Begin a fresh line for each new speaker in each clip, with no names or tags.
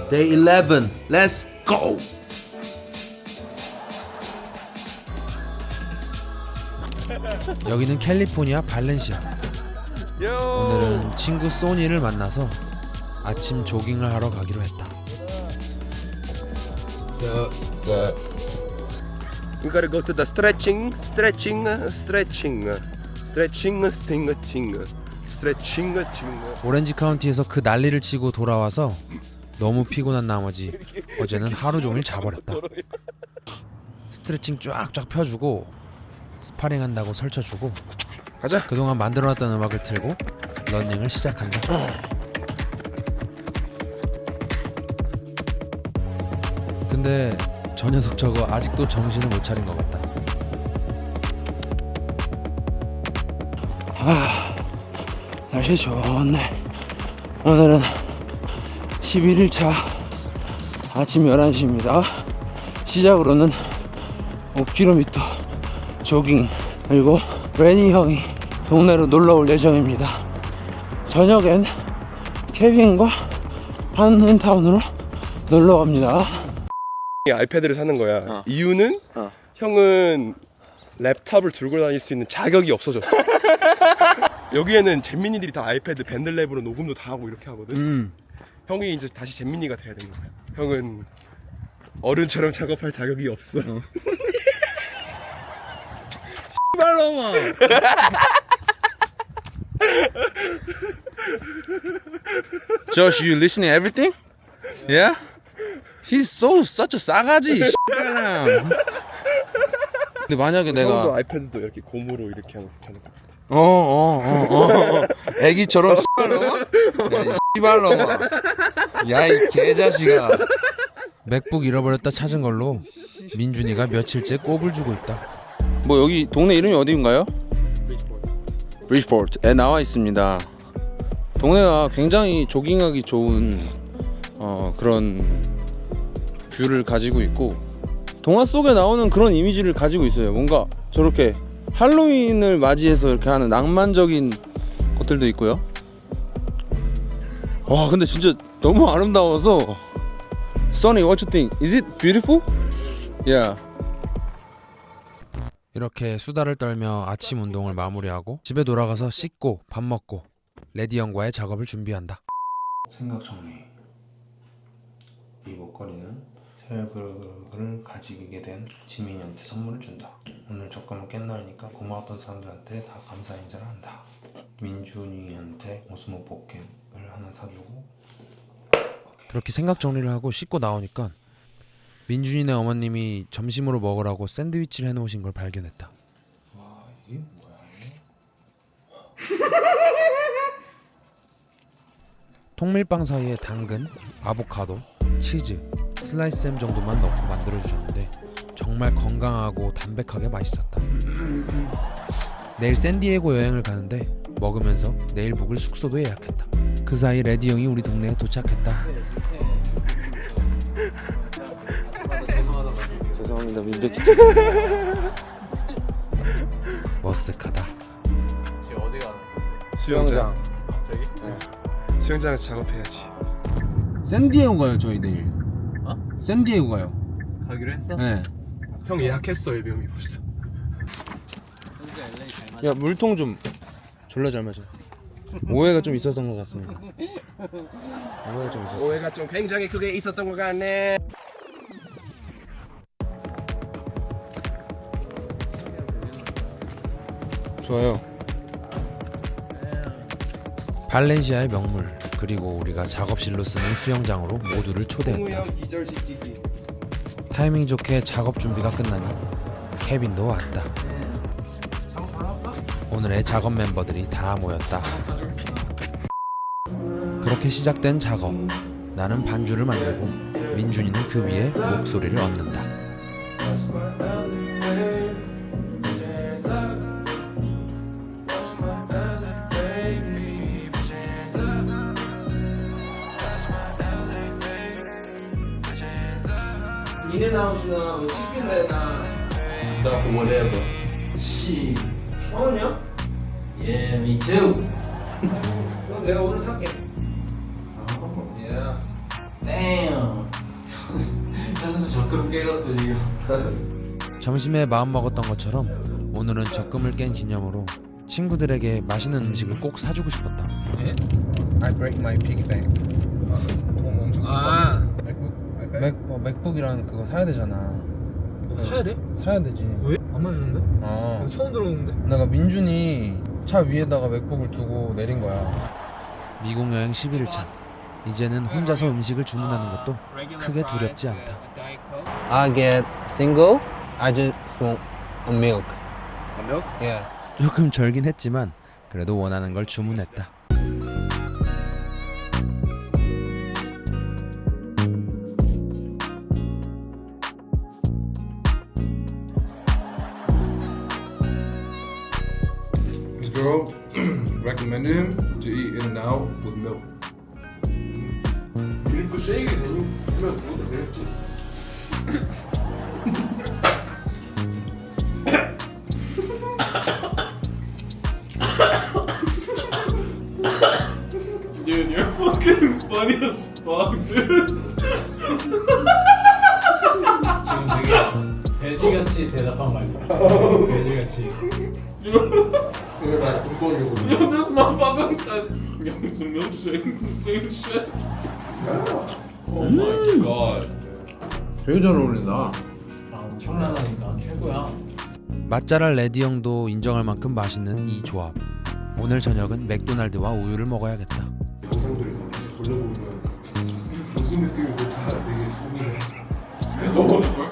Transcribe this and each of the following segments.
Day 11. Let's go.
여기는 캘리포니아 발렌시아. 오늘은 친구 소니를 만나서 아침 조깅을 하러 가기로 했다.
We gotta go to the stretching.
오렌지 카운티에서 그 난리를 치고 돌아와서 너무 피곤한 나머지 어제는 하루 종일 자버렸다. 스트레칭 쫙쫙 펴주고 스파링 한다고 설쳐주고
가자.
그동안 만들어놨던 음악을 틀고 러닝을 시작한다. 근데 저 녀석 저거 아직도 정신을 못 차린 것 같다.
날씨 좋네. 오늘은 11일차 아침 11시입니다. 시작으로는 5km 조깅, 그리고 레니 형이 동네로 놀러올 예정입니다. 저녁엔 케빈과 한인타운으로 놀러갑니다.
아이패드를 사는 거야. 이유는 형은 랩탑을 들고 다닐 수 있는 자격이 없어졌어. 여기에는 잼민이들이 다 아이패드 밴들랩으로 녹음도 다 하고 이렇게 하거든. 형이 이제 다시 잼민이가 돼야 되는 거야. 형은 어른처럼 작업할 자격이 없어.
씨발놈아. Josh, you listening to everything? Yeah? He's such a 싸가지. 씨발놈. 근데 만약에
형도
내가
아이패드도 이렇게 고무로 이렇게 하면 괜찮을 것 같아.
애기처럼 씨발놈아. 야 이 개자식아.
맥북 잃어버렸다 찾은 걸로 민준이가 며칠째 꼽을 주고 있다.
뭐 여기 동네 이름이 어디인가요? 브리지포트에 나와 있습니다. 동네가 굉장히 조깅하기 좋은 그런 뷰를 가지고 있고 동화 속에 나오는 그런 이미지를 가지고 있어요. 뭔가 저렇게 할로윈을 맞이해서 이렇게 하는 낭만적인 것들도 있고요. 와 근데 진짜 너무 아름다워서 Sonny, what you think? Is it beautiful? Yeah.
이렇게 수다를 떨며 아침 운동을 마무리하고 집에 돌아가서 씻고 밥 먹고 레디 형과의 작업을 준비한다.
생각 정리. 이 목걸이는 테일브를 가지게 된 지민이한테 선물을 준다. 오늘 적금을 깬 날이니까 고마웠던 사람들한테 다 감사 인사를 한다. 민준이한테 오스모 포켓을 하나 사주고.
그렇게 생각 정리를 하고 씻고 나오니까 민준이네 어머님이 점심으로 먹으라고 샌드위치를 해놓으신 걸 발견했다.
와 이게 뭐야?
통밀빵 사이에 당근, 아보카도, 치즈, 슬라이스햄 정도만 넣고 만들어주셨는데 정말 건강하고 담백하게 맛있었다. 내일 샌디에고 여행을 가는데 먹으면서 내일 묵을 숙소도 예약했다. 그 사이 레디 형이 우리 동네에 도착했다.
죄송합니다. 민백기
머쓱하다.
지금 어디 가는 거야?
수영장.
갑자기?
수영장에서 작업해야지.
샌디에고 가요 저희 내일. 샌디에고 가요.
가기로 했어?
네.
형 예약했어 예비형이 벌써.
현재 LA 잘 맞아.
야 물통 좀 졸라 잘 마셔. 오해가 좀 있었던 것 같습니다. 오해가 좀 있었어.
오해가 좀 굉장히 크게 있었던 것 같네.
좋아요.
발렌시아의 명물 그리고 우리가 작업실로 쓰는 수영장으로 모두를 초대했다.
형 기절시키기.
타이밍 좋게 작업 준비가 끝나니 케빈도 왔다. 오늘의 작업 멤버들이 다 모였다. 그렇게 시작된 작업. 나는 반주를 만들고 민준이는 그 위에 목소리를 얹는다.
인앤아웃이나 치킨레나 whatever. 원이야?
Yeah, me too.
그럼 내가 오늘 살게.
Damn. 적금 깨갖고 지금.
점심에 마음 먹었던 것처럼 오늘은 적금을 깬 기념으로 친구들에게 맛있는 음식을 꼭 사주고 싶었다.
I break my piggy bank.
아,
맥북이랑 그거 사야 되잖아.
사야 돼?
사야 되지.
왜? 안 말해주는데?
어.
처음 들어오는데?
내가 민준이 차 위에다가 맥북을 두고 내린 거야. 미국 여행 11일차. 이제는 혼자서 음식을 주문하는 것도 크게 두렵지 않다.
I get single. I just want a milk.
A milk?
Yeah.
조금 절긴 했지만 그래도 원하는 걸 주문했다.
This girl recommended him to eat In-N-Out with milk.
밀크 쉐이크 되면 그것도 되겠지. Dude, you're fucking funny as fuck, dude.
지금 되게 돼지같이 대답한 거 아니야? 돼지같이.
Yo, this motherfucker said, "Young's milkshake, the same shit." Oh my god.
되게 잘 어울린다.
아, 엄청나다니까. 최고야.
맛잘알 레디 형도 인정할 만큼 맛있는 이 조합. 오늘 저녁은 맥도날드와 우유를 먹어야겠다.
영상들을 다 다시 돌려보면 무슨 느낌인지 다 되게 서운해.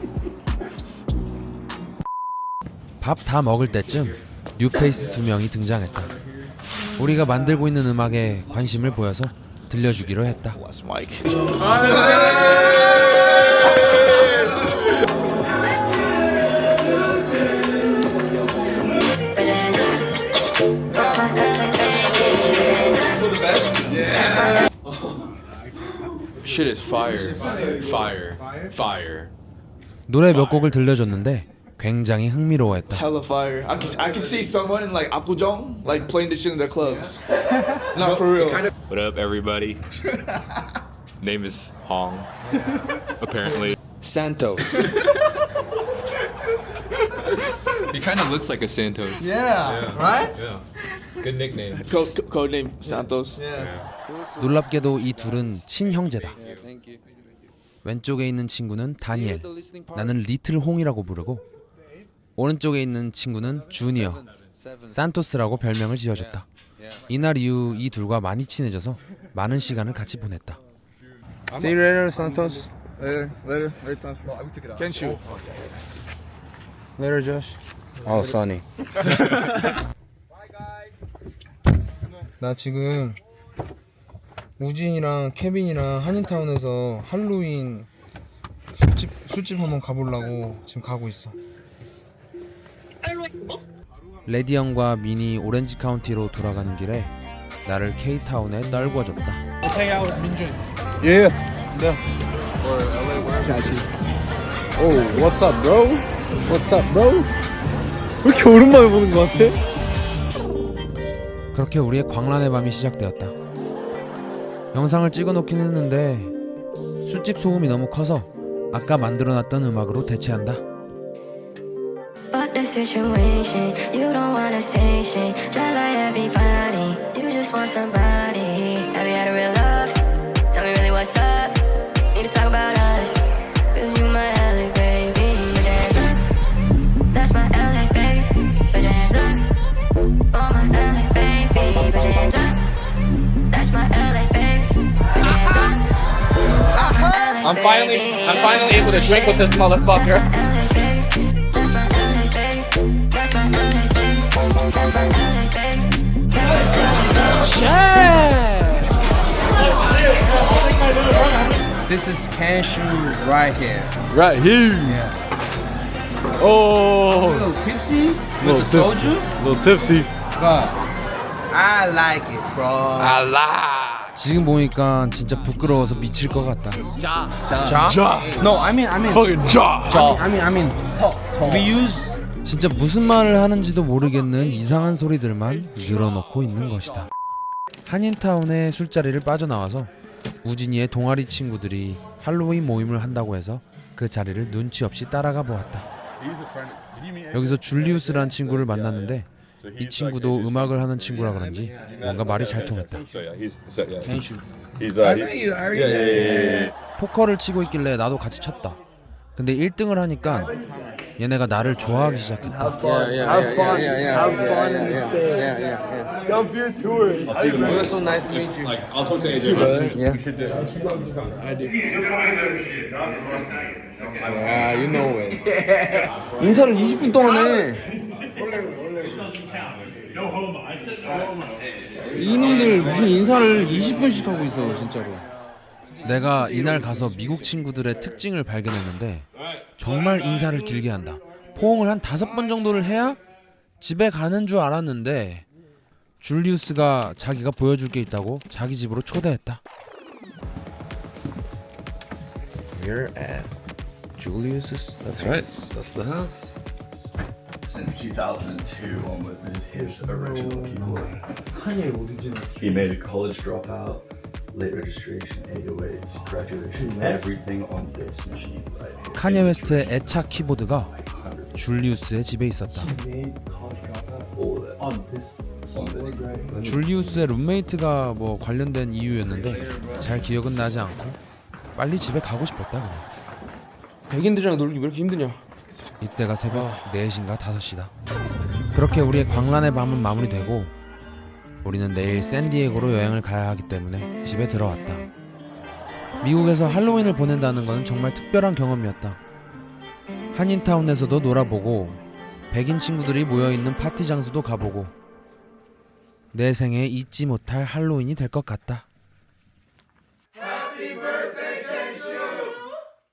밥 다 먹을 때쯤 뉴페이스 2명이 등장했다. 우리가 만들고 있는 음악에 관심을 보여서 들려주기로 했다.
Shit is fire. Fire. Fire.
노래 몇 곡을 들려줬는데 굉장히 흥미로워했다.
Hella fire. I can see someone in like Apgujeong like playing this shit in their clubs. Not for real.
What up, everybody? Name is Hong. Apparently.
Santos.
He kind of looks like a Santos.
Yeah. Right?
Good nickname.
Code name Santos.
놀랍게도 이 둘은 친형제다. 왼쪽에 있는 친구는 다니엘, 나는 리틀 홍이라고 부르고 오른쪽에 있는 친구는 주니어, 산토스라고 별명을 지어줬다. 이날 이후 이 둘과 많이 친해져서 많은 시간을 같이 보냈다.
See you later, Santos.
Later. Can't shoot.
Later, Josh. Oh, Sunny.
나 지금 우진이랑 케빈이랑 한인타운에서 할로윈 술집 한번 가보려고 지금 가고 있어.
레디 형과 미니 오렌지 카운티로 돌아가는 길에 나를 K타운에 떨궈줬다.
Yeah. Yeah. Oh, what's up, bro? What's up, bro? 왜 이렇게 오랜만에 보는 것 같아?
그렇게 우리의 광란의 밤이 시작되었다. 영상을 찍어놓긴 했는데 술집 소음이 너무 커서 아까 만들어놨던 음악으로 대체한다.
But the situation, you don't wanna say shit. Just like everybody, you just want somebody. Have you had a real love? Tell me really what's up. Need to talk about us. Cause you my LA baby. Put your hands up. That's my LA baby. Put your hands up. Oh my LA baby. Put your hands up. That's my LA baby. Put your hands up. Oh my LA baby.
I'm finally able to drink with this motherfucker.
This is cashew right here.
Right here. Oh,
A little tipsy with
Little
the soju,
a little tipsy.
but I like it, bro.
지금 보니까 진짜 부끄러워서 미칠 것 같다.
No, I mean,
Fucking jaw.
I mean, we use.
진짜 무슨 말을 하는지도 모르겠는 이상한 소리들만 늘어놓고 있는 것이다. 한인타운의 술자리를 빠져나와서 우진이의 동아리 친구들이 할로윈 모임을 한다고 해서 그 자리를 눈치 없이 따라가 보았다. 여기서 줄리우스란 친구를 만났는데 이 친구도 음악을 하는 친구라 그런지 뭔가 말이 잘 통했다. 포커를 치고 있길래 나도 같이 쳤다. 근데 1등을 하니까 얘네가 나를 좋아하기 시작했다.
인사를 20분 동안 해. 이놈들 무슨 인사를 20분씩 하고 있어 진짜로.
내가 이날 가서 미국 친구들의 특징을 발견했는데 정말 인사를 길게 한다. 포옹을 한 5번 정도를 해야 집에 가는 줄 알았는데 줄리우스가 자기가 보여줄 게 있다고 자기 집으로 초대했다.
We're at Julius's. That's right. That's the house.
Since 2002, almost this is his original keyboard. He made a college dropout, late registration, 808s, graduation, everything on this machine right here.
카니에 웨스트의 애착 키보드가 줄리우스의 집에 있었다.
All that on this keyboard.
줄리우스의 룸메이트가 뭐 관련된 이유였는데 잘 기억은 나지 않고 빨리 집에 가고 싶었다 그냥.
백인들이랑 놀기 왜 이렇게 힘드냐.
이때가 새벽 4시인가 5시다. 그렇게 우리의 광란의 밤은 마무리되고 우리는 내일 샌디에고로 여행을 가야 하기 때문에 집에 들어왔다. 미국에서 할로윈을 보낸다는 것은 정말 특별한 경험이었다. 한인타운에서도 놀아보고 백인 친구들이 모여있는 파티 장소도 가보고 내 생에 잊지 못할 할로윈이 될 것 같다.